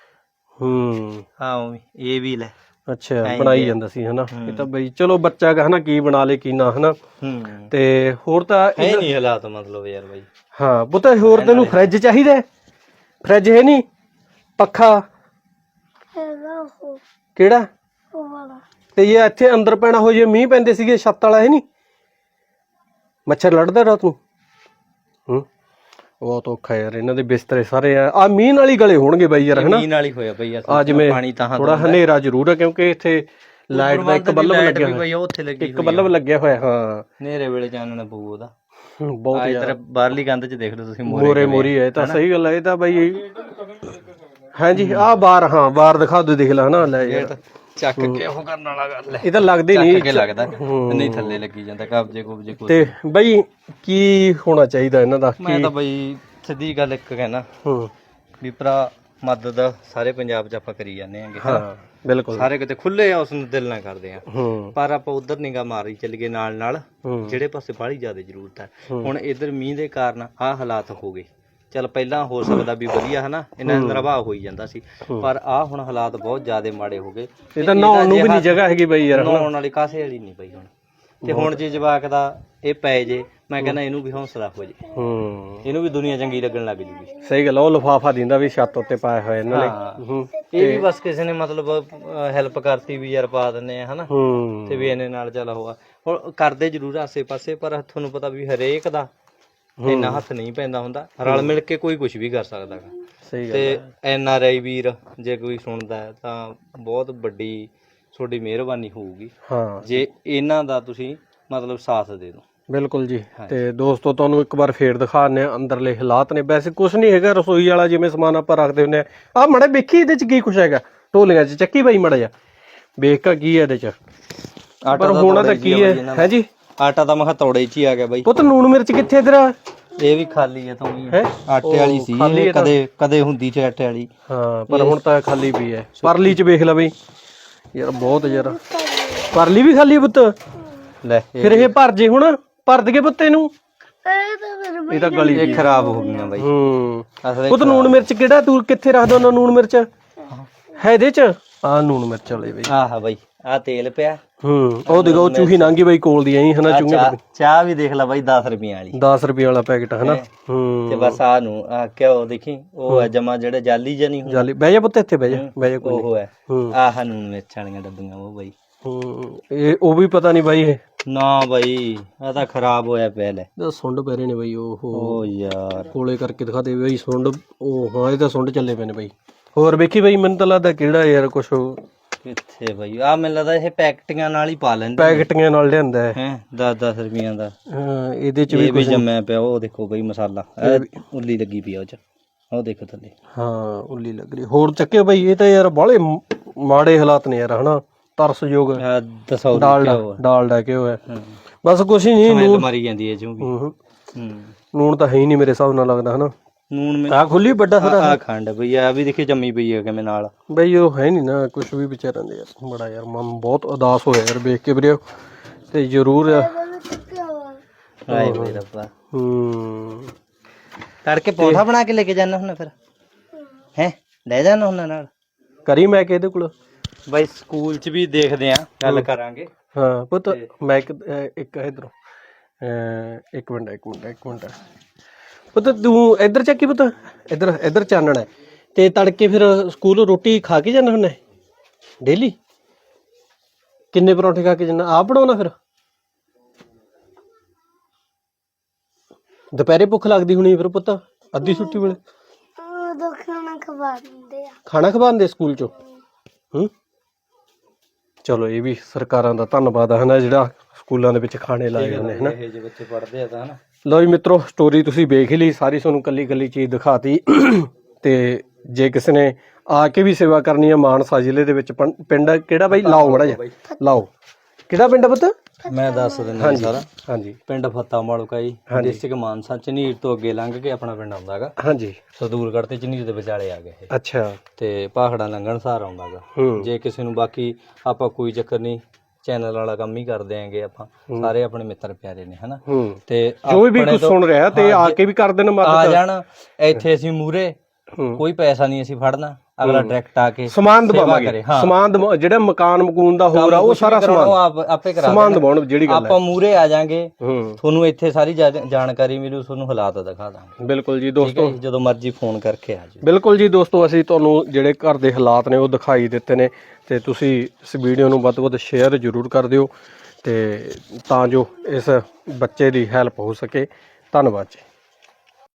[SPEAKER 2] ਹੂੰ
[SPEAKER 4] ਹਾਂ ਇਹ ਵੀ ਲੈ,
[SPEAKER 2] ਅੱਛਾ ਬਣਾਈ ਜਾਂਦਾ ਸੀ ਹਨਾ। ਇਹ ਤਾਂ ਬਈ ਚਲੋ ਬੱਚਾ ਹਨਾ ਕੀ ਬਣਾ ਲੇ ਕੀ ਨਾ ਹਨਾ। ਤੇ ਹੋਰ ਤਾਂ
[SPEAKER 4] ਇਹ ਨਹੀਂ ਹਾਲਾਤ ਮਤਲਬ ਯਾਰ ਬਾਈ।
[SPEAKER 2] ਹਾਂ ਪੁੱਤ ਹੋਰ ਤੈਨੂੰ ਫਰਿੱਜ ਚਾਹੀਦਾ? ਫਰਿੱਜ ਹੈ ਨਹੀਂ? ਪੱਖਾ
[SPEAKER 3] ਹੈਗਾ ਉਹ
[SPEAKER 2] ਕਿਹੜਾ?
[SPEAKER 3] ਉਹ ਵਾਲਾ।
[SPEAKER 2] ਤੇ ਇਹ ਇੱਥੇ ਅੰਦਰ ਪੈਣਾ ਹੋ ਜੇ, ਮੀਂਹ ਪੈਂਦੇ ਸੀਗੇ ਛੱਤ ਵਾਲਾ ਹੈ ਨਹੀਂ? ਮੱਛਰ ਲੜਦਾ ਰਾਤ ਨੂੰ? ਹੂੰ ਬਹੁਤ ਔਖਾ ਯਾਰ, ਇਹਨਾਂ ਦੇ ਬਿਸਤਰੇ ਸਾਰੇ ਆ ਮੀਂਹ ਨਾਲ ਹੀ ਗਲੇ ਹੋਣਗੇ ਬਾਈ ਯਾਰ ਹਨਾ।
[SPEAKER 4] ਮੀਂਹ ਨਾਲ ਹੀ ਹੋਇਆ ਬਈ
[SPEAKER 2] ਆ ਜਿਵੇਂ ਥੋੜਾ ਹਨੇਰਾ ਜ਼ਰੂਰ ਹੈ ਕਿਉਂਕਿ ਇੱਥੇ ਲਾਈਟ ਦਾ ਇੱਕ ਬੱਲਬ ਲੱਗਿਆ ਹੋਇਆ, ਇੱਕ ਬੱਲਬ ਲੱਗਿਆ ਹੋਇਆ। ਹਾਂ
[SPEAKER 4] ਹਨੇਰੇ ਵੇਲੇ ਚਾਨਣ ਪਊ ਉਹਦਾ
[SPEAKER 2] ਬਹੁਤ
[SPEAKER 4] ਇਧਰ ਬਾਹਰਲੀ ਕੰਧ 'ਚ ਦੇਖ ਲਓ ਤੁਸੀਂ,
[SPEAKER 2] ਮੋਰੀ ਹੈ। ਤਾਂ ਸਹੀ ਗੱਲ ਹੈ, ਇਹ ਤਾਂ ਬਾਈ ਹਾਂਜੀ ਆਹ ਬਾਰ, ਹਾਂ ਬਾਰ ਦਿਖਾ ਦੋ, ਦੇਖ ਲਾ ਹਨਾ। ਲੈ ਯਾਰ
[SPEAKER 4] ਚੱਕ ਕੇ ਉਹ ਕਰਨ ਵਾਲਾ ਗੱਲ ਹੈ,
[SPEAKER 2] ਇਹ ਤਾਂ ਲੱਗਦੇ ਨਹੀਂ,
[SPEAKER 4] ਚੱਕ ਕੇ ਲੱਗਦਾ ਨਹੀਂ ਥੱਲੇ ਲੱਗੀ ਜਾਂਦਾ ਕਬਜੇ ਕੁਬਜੇ।
[SPEAKER 2] ਤੇ ਬਈ ਕੀ ਹੋਣਾ ਚਾਹੀਦਾ ਇਹਨਾਂ ਦਾ?
[SPEAKER 4] ਮੈਂ ਤਾਂ ਬਈ ਸਿੱਧੀ ਗੱਲ ਇੱਕ ਕਹਿਣਾ ਵੀ ਭਰਾ, ਮਦਦ ਸਾਰੇ ਪੰਜਾਬ 'ਚ ਆਪਾਂ ਕਰੀ ਜਾਂਦੇ ਆਂਗੇ।
[SPEAKER 2] ਹਾਂ ਬਿਲਕੁਲ,
[SPEAKER 4] ਸਾਰੇ ਕਿਤੇ ਖੁੱਲੇ ਆ, ਉਸ ਨੂੰ ਦਿਲ ਨਾਲ ਕਰਦੇ ਆ, ਪਰ ਆਪਾਂ ਉਧਰ ਨਿਗਾਹ ਮਾਰੀ ਚੱਲ ਗਏ ਨਾਲ ਨਾਲ ਜਿਹੜੇ ਪਾਸੇ ਬਾਹਲੀ ਜ਼ਿਆਦਾ ਜ਼ਰੂਰਤ ਹੈ। ਹੁਣ ਇਧਰ ਮੀਂਹ ਦੇ ਕਾਰਨ ਆਹ ਹਾਲਾਤ ਹੋ ਗਏ। ਚੱਲ ਪਹਿਲਾਂ ਹੋ ਸਕਦਾ ਵੀ ਵਧੀਆ ਹਨਾ, ਇਹਨਾਂ ਦਾ ਨਿਰਵਾਹ ਹੋਈ ਜਾਂਦਾ ਸੀ, ਪਰ ਆਹ ਹੁਣ ਹਾਲਾਤ ਬਹੁਤ ਜ਼ਿਆਦਾ ਮਾੜੇ ਹੋ ਗਏ।
[SPEAKER 2] ਇਹ ਤਾਂ ਨਹਾਉਣ ਨੂੰ ਵੀ ਨਹੀਂ ਜਗ੍ਹਾ ਹੈਗੀ ਬਈ ਯਾਰ,
[SPEAKER 4] ਨਹਾਉਣ ਵਾਲੀ ਕਾਸੇ ਵਾਲੀ ਨਹੀਂ ਪਈ ਹੁਣ। ਤੇ ਹੁਣ ਜੇ ਜਵਾਕ ਦਾ ਇਹ ਪੈ ਜੇ, ਮੈਂ ਕਹਿੰਦਾ ਇਹਨੂੰ ਵੀ ਹੌਸਲਾ ਹੋ ਜੇ, ਇਹਨੂੰ ਵੀ ਦੁਨੀਆ ਚੰਗੀ ਲੱਗਣ ਲੱਗ ਜੂਗੀ।
[SPEAKER 2] ਸਹੀ ਗੱਲ, ਉਹ ਲਿਫਾਫਾ ਦਿੰਦਾ ਵੀ ਛੱਤ ਉੱਤੇ ਪਾਇਆ ਹੋਇਆ ਇਹਨਾਂ ਨੇ।
[SPEAKER 4] ਇਹ ਵੀ ਬਸ ਕਿਸੇ ਨੇ ਮਤਲਬ ਹੈਲਪ ਕਰਤੀ ਵੀ ਯਾਰ ਪਾ ਦਿੰਨੇ ਆ ਹਨਾ, ਤੇ ਵੀ ਇਹਨੇ ਨਾਲ ਚੱਲ ਹੋਆ। ਹੁਣ ਕਰਦੇ ਜ਼ਰੂਰ ਆਸੇ ਪਾਸੇ, ਪਰ ਤੁਹਾਨੂੰ ਪਤਾ ਵੀ ਹਰੇਕ ਦਾ ਇੰਨਾ ਹੱਥ ਨਹੀਂ ਪੈਂਦਾ ਹੁੰਦਾ। ਰਲ ਮਿਲ ਕੇ ਕੋਈ ਕੁਝ ਵੀ ਕਰ ਸਕਦਾ ਗਾ।
[SPEAKER 2] ਸਹੀ ਗੱਲ।
[SPEAKER 4] ਤੇ NRI ਵੀਰ ਜੇ ਕੋਈ ਸੁਣਦਾ ਹੈ ਤਾਂ ਬਹੁਤ ਵੱਡੀ ਤੁਹਾਡੀ ਮਿਹਰਬਾਨੀ ਹੋਊਗੀ ਜੇ ਇਹਨਾਂ ਦਾ ਤੁਸੀਂ ਮਤਲਬ ਸਾਥ ਦੇ ਦਿਓ।
[SPEAKER 2] ਬਿਲਕੁਲ ਜੀ। ਤੇ ਦੋਸਤੋ ਤੁਹਾਨੂੰ ਇੱਕ ਵਾਰ ਫੇਰ ਦਿਖਾਉਂਦੇ ਆ ਅੰਦਰਲੇ ਹਾਲਾਤ ਨੇ। ਵੈਸੇ ਕੁਝ ਨਹੀਂ ਹੈਗਾ, ਰਸੋਈ ਵਾਲਾ ਜਿਵੇਂ ਸਮਾਨ ਆਪਾਂ ਰੱਖਦੇ ਹੁੰਦੇ ਆ ਮੜਾ ਵੇਖੀ ਇਹਦੇ ਚ ਕੀ ਕੁਛ ਹੈਗਾ ਢੋਲੀਆਂ ਚ, ਚੱਕੀ ਬਾਈ ਮੜਾ ਜਾ ਵੇਖ ਕਾ ਕੀ ਹੈ ਇਹਦੇ ਚ। ਪਰ ਹੋਣਾ ਤਾਂ ਕੀ ਹੈ ਜੀ,
[SPEAKER 4] ਆਟਾ ਤਾਂ ਮੈਂ ਤੋੜੇ ਚ ਹੀ ਆ ਗਿਆ ਬਾਈ।
[SPEAKER 2] ਪੁੱਤ ਲੂਣ ਮਿਰਚ ਕਿੱਥੇ ਇਧਰ?
[SPEAKER 4] ਇਹ ਵੀ ਖਾਲੀ ਹੈ ਤਾਂ ਆਟੇ ਵਾਲੀ ਸੀ, ਕਦੇ ਕਦੇ ਹੁੰਦੀ ਸੀ ਆਟੇ ਵਾਲੀ।
[SPEAKER 2] ਹਾਂ ਪਰ ਹੁਣ ਤਾਂ ਖਾਲੀ ਪਈ ਹੈ। ਪਰਲੀ ਚ ਵੇਖ ਲੈ ਬਈ ਯਾਰ, ਬਹੁਤ ਯਾਰ ਪਰਲੀ ਵੀ ਖਾਲੀ ਪੁੱਤ।
[SPEAKER 4] ਲੈ
[SPEAKER 2] ਫਿਰ ਇਹ ਭਰ ਜੇ, ਹੁਣ ਭਰ ਦਈਏ ਪੁੱਤ ਇਹਨੂੰ? ਇਹ ਤਾਂ ਗਲੀ
[SPEAKER 4] ਇਹ ਖਰਾਬ ਹੋ ਗਈਆਂ ਬਾਈ।
[SPEAKER 2] ਪੁੱਤ ਲੂਣ ਮਿਰਚ ਕਿਹੜਾ ਤੂੰ ਕਿੱਥੇ ਰੱਖਦਾ ਉਹਨਾਂ? ਲੂਣ ਮਿਰਚ ਹੈ ਇਹਦੇ ਚ? ਆਹ ਲੂਣ ਮਿਰਚ ਵਾਲੇ ਬਈ।
[SPEAKER 4] ਆਹ ਬਾਈ ਆਹ ਤੇਲ ਪਿਆ।
[SPEAKER 2] ਉਹ ਦੇਖੋ ਚੂਹੀ ਲੰਘੀ ਬਾਈ ਕੋਲ ਦੀ ਐਂ ਹਨਾ। ਚੂਹੀਆਂ
[SPEAKER 4] ਚਾਹ ਵੀ ਦੇਖ ਲੈ ਬਾਈ 10 ਰੁਪਈਆਂ ਵਾਲੀ,
[SPEAKER 2] 10 ਰੁਪਏ ਵਾਲਾ ਪੈਕਟ ਹਨਾ।
[SPEAKER 4] ਤੇ ਬਸ ਆਹ ਨੂੰ ਆ ਘਿਓ ਦੇਖੀ, ਉਹ ਹੈ ਜਮਾ ਜਿਹੜੇ ਜਾਲੀ ਜਾਂ ਨਹੀਂ
[SPEAKER 2] ਜਾਲੀ। ਬਹਿ ਜਾ ਪੁੱਤ ਇੱਥੇ, ਬਹਿ ਜਾ ਬਹਿ ਜਾ।
[SPEAKER 4] ਉਹ ਹੈ ਆਹ ਨੂਨ ਮਿਰਚ ਵਾਲੀਆਂ ਡੱਬੀਆਂ ਉਹ ਬਾਈ।
[SPEAKER 2] ਇਹ ਉਹ ਵੀ ਪਤਾ ਨਹੀਂ ਬਾਈ, ਇਹ
[SPEAKER 4] ਨਾ ਬਾਈ ਆ ਤਾਂ ਖਰਾਬ ਹੋਇਆ ਪਿਆ। ਲੈ
[SPEAKER 2] ਸੁੰਡ ਪੈ ਰਹੇ ਨੇ ਬਾਈ। ਉਹ
[SPEAKER 4] ਯਾਰ
[SPEAKER 2] ਕੋਲੇ ਕਰਕੇ ਦਿਖਾ ਦੇ ਬਾਈ ਸੁੰਡ। ਉਹ ਹਾਂ ਇਹ ਤਾਂ ਸੁੰਡ ਚੱਲੇ ਪਏ ਨੇ ਬਾਈ। ਹੋਰ ਵੇਖੀ ਬਾਈ, ਮੈਨੂੰ ਤਾਂ ਲੱਗਦਾ ਕਿਹੜਾ ਯਾਰ ਕੁਛ
[SPEAKER 4] ਕਿੱਥੇ ਬਾਈ। ਆ ਮੈਨੂੰ ਲੱਗਦਾ ਇਹ ਪੈਕਟੀਆਂ ਨਾਲ ਹੀ ਪਾ ਲੈਂਦੇ,
[SPEAKER 2] ਪੈਕਟੀਆਂ ਨਾਲ ਲਿਆਂਦਾ
[SPEAKER 4] ਹੈ 10-10 ਰੁਪਈਆਂ ਦਾ।
[SPEAKER 2] ਇਹਦੇ ਚ
[SPEAKER 4] ਵੀ ਜੰਮਿਆ ਪਿਆ। ਉਹ ਦੇਖੋ ਬਾਈ ਮਸਾਲਾ ਉੱਲੀ ਲੱਗੀ ਪਈ ਆ ਉਹ ਚ, ਉਹ ਦੇਖੋ ਥੱਲੇ।
[SPEAKER 2] ਹਾਂ ਉੱਲੀ ਲੱਗ ਰਹੀ। ਹੋਰ ਚੱਕੇ ਬਾਈ, ਇਹ ਤਾਂ ਯਾਰ ਬਾਹਲੇ ਮਾੜੇ ਹਾਲਾਤ ਨੇ ਯਾਰ ਹਨਾ। ਤਰਸਯੋਗ ਡਾਲਡਾ ਘਿਓ ਹੈ। ਬਸ ਕੁਛ ਹੀ ਨਹੀਂ
[SPEAKER 4] ਸਮੈਲ ਮਾਰੀ ਜਾਂਦੀ ਹੈ ਜੋ ਵੀ।
[SPEAKER 2] ਹੂੰ
[SPEAKER 4] ਹੂੰ
[SPEAKER 2] ਨੂਣ ਤਾਂ ਹੈ ਹੀ ਨਹੀਂ ਮੇਰੇ ਹਿਸਾਬ ਨਾਲ ਲੱਗਦਾ ਹਨਾ।
[SPEAKER 4] ਨੂਣ
[SPEAKER 2] ਆ ਖੁੱਲੀ ਵੱਡਾ ਸਾਰਾ
[SPEAKER 4] ਆ ਖੰਡ ਬਈ ਆ ਵੀ ਦੇਖੀ ਜੰਮੀ ਪਈ ਹੈ ਕਿਵੇਂ ਨਾਲ।
[SPEAKER 2] ਬਈ ਉਹ ਹੈ ਨਹੀਂ ਨਾ ਕੁਛ ਵੀ ਵਿਚਾਰਾਂ ਦੇ ਯਾਰ ਬੜਾ ਯਾਰ ਮਨ ਬਹੁਤ ਉਦਾਸ ਹੋਇਆ ਯਾਰ ਵੇਖ ਕੇ ਵੀਰੇ ਤੇ ਜ਼ਰੂਰ
[SPEAKER 4] ਹਾਏ ਬਈ ਰੱਬਾ।
[SPEAKER 2] ਹੂੰ
[SPEAKER 4] ਤੜਕੇ ਪੌਂਠਾ ਬਣਾ ਕੇ ਲੈ ਕੇ ਜਾਣਾ ਹੁੰਦਾ ਫਿਰ ਹੈ ਲੈ ਜਾਣਾ ਹੁੰਦਾ ਨਾਲ
[SPEAKER 2] ਕਰੀ ਮੈਂ ਕਿ ਇਹਦੇ ਕੋਲ
[SPEAKER 4] ਬਈ ਸਕੂਲ 'ਚ ਵੀ ਦੇਖਦੇ ਆ ਗੱਲ ਕਰਾਂਗੇ।
[SPEAKER 2] ਹਾਂ ਪੁੱਤ ਮੈਂ ਇੱਕ ਇਧਰੋਂ ਇੱਕ ਮਿੰਟ ਪੁੱਤ ਤੂੰ ਇੱਧਰ ਚੱਕੀ ਪੁੱਤ ਇੱਧਰ ਚਾਨਣਾ ਹੈ ਤੇ ਤੜਕੇ ਫਿਰ ਸਕੂਲ ਰੋਟੀ ਖਾ ਕੇ ਜਾਣਾ ਹੁੰਦਾ ਡੇਲੀ? ਕਿੰਨੇ ਪਰੌਂਠੇ ਖਾ ਕੇ ਜਾਣਾ ਆਪ ਬਣਾਉਣਾ ਫਿਰ? ਦੁਪਹਿਰੇ ਭੁੱਖ ਲੱਗਦੀ ਹੋਣੀ ਫਿਰ ਪੁੱਤ ਅੱਧੀ ਛੁੱਟੀ ਵੇਲੇ ਖਾਣਾ ਖਵਾਉਂਦੇ ਸਕੂਲ ਚੋਂ? ਹੂੰ ਚਲੋ ਇਹ ਵੀ ਸਰਕਾਰਾਂ ਦਾ ਧੰਨਵਾਦ ਹੈ ਨਾ ਜਿਹੜਾ ਸਕੂਲਾਂ ਦੇ ਵਿੱਚ ਖਾਣੇ ਲਾਏ ਜਾਂਦੇ ਹਨਾ।
[SPEAKER 4] ਇਹ ਜਿਹੇ ਬੱਚੇ ਪੜ੍ਹਦੇ ਆ ਤਾਂ ਹਨਾ।
[SPEAKER 2] ਲਓ ਜੀ ਮਿੱਤਰੋ ਸਟੋਰੀ ਤੁਸੀਂ ਵੇਖ ਹੀ ਲਈ ਸਾਰੀ, ਤੁਹਾਨੂੰ ਕੱਲੀ ਕੱਲੀ ਚੀਜ਼ ਦਿਖਾਤੀ ਤੇ ਜੇ ਕਿਸੇ ਨੇ ਆ ਕੇ ਵੀ ਸੇਵਾ ਕਰਨੀ ਹੈ ਮਾਨਸਾ ਜ਼ਿਲ੍ਹੇ ਦੇ ਵਿੱਚ ਪਿੰਡ ਕਿਹੜਾ ਬਾਈ ਲਾਓ ਮੜਾ ਜਾ ਲਾਓ ਕਿਹੜਾ ਪਿੰਡ ਪੁੱਤ?
[SPEAKER 4] ਮੈਂ ਦੱਸ ਦਿੰਦਾ ਸਾਰਾ।
[SPEAKER 2] ਹਾਂਜੀ
[SPEAKER 4] ਪਿੰਡ ਫੱਤਾ ਮਾਲੂਕਾ ਜੀ ਡਿਸਟ੍ਰਿਕਟ ਮਾਨਸਾ ਝਨੀਰ ਤੋਂ ਅੱਗੇ ਲੰਘ ਕੇ ਆਪਣਾ ਪਿੰਡ ਆਉਂਦਾਗਾ।
[SPEAKER 2] ਹਾਂਜੀ
[SPEAKER 4] ਸਦੂਲਗੜ੍ਹ ਤੇ ਝਨੀਰ ਦੇ ਵਿਚਾਲੇ ਆ ਗਏ ਇਹ।
[SPEAKER 2] ਅੱਛਾ
[SPEAKER 4] ਤੇ ਪਾਖੜਾ ਲੰਘਣ ਸਾਰ ਆਉਂਦਾਗਾ। ਜੇ ਕਿਸੇ ਨੂੰ ਬਾਕੀ ਆਪਾਂ ਕੋਈ ਚੱਕਰ ਨਹੀਂ ਚੈਨਲ ਵਾਲਾ ਕੰਮ ਹੀ ਕਰਦੇ ਆਂਗੇ ਆਪਾਂ ਸਾਰੇ ਆਪਣੇ ਮਿੱਤਰ ਪਿਆਰੇ ਨੇ ਹਨਾ। ਤੇ
[SPEAKER 2] ਜੋ ਵੀ ਕੁਝ ਸੁਣ ਰਿਹਾ ਤੇ ਆ ਕੇ ਵੀ ਕਰ ਦੇਣ ਮਦਦ
[SPEAKER 4] ਆ ਜਾਣ ਇੱਥੇ ਅਸੀਂ ਮੂਰੇ ਕੋਈ ਪੈਸਾ ਨਹੀਂ ਅਸੀਂ ਫੜਨਾ ਅਗਲਾ ਡਾਇਰੈਕਟ ਆ ਕੇ
[SPEAKER 2] ਸਮਾਨ ਦਵਾਵਾਂਗੇ ਸਮਾਨ ਜਿਹੜਾ ਮਕਾਨ ਮਕੂਨ ਦਾ ਹੋਰ ਆ ਉਹ ਸਾਰਾ ਸਮਾਨ
[SPEAKER 4] ਆਪੇ ਕਰਾ
[SPEAKER 2] ਸਮਾਨ ਦਵਾਉਣ ਜਿਹੜੀ ਗੱਲ
[SPEAKER 4] ਆਪਾਂ ਮੂਰੇ ਆ ਜਾਾਂਗੇ ਤੁਹਾਨੂੰ ਇੱਥੇ ਸਾਰੀ ਜਾਣਕਾਰੀ ਮਿਲੂ ਤੁਹਾਨੂੰ ਹਾਲਾਤ ਦਿਖਾ ਦਾਂਗੇ।
[SPEAKER 2] ਬਿਲਕੁਲ ਜੀ ਦੋਸਤੋ
[SPEAKER 4] ਜਦੋਂ ਮਰਜ਼ੀ ਫੋਨ ਕਰਕੇ ਆ ਜਾਓ।
[SPEAKER 2] ਬਿਲਕੁਲ ਜੀ ਦੋਸਤੋ ਅਸੀਂ ਤੁਹਾਨੂੰ ਜਿਹੜੇ ਘਰ ਦੇ ਹਾਲਾਤ ਨੇ ਉਹ ਦਿਖਾਈ ਦਿੱਤੇ ਨੇ ਤੇ ਤੁਸੀਂ ਇਸ ਵੀਡੀਓ ਨੂੰ ਵੱਧ ਤੋਂ ਵੱਧ ਸ਼ੇਅਰ ਜ਼ਰੂਰ ਕਰ ਦਿਓ ਤੇ ਤਾਂ ਜੋ ਇਸ ਬੱਚੇ ਦੀ ਹੈਲਪ ਹੋ ਸਕੇ। ਧੰਨਵਾਦ ਜੀ।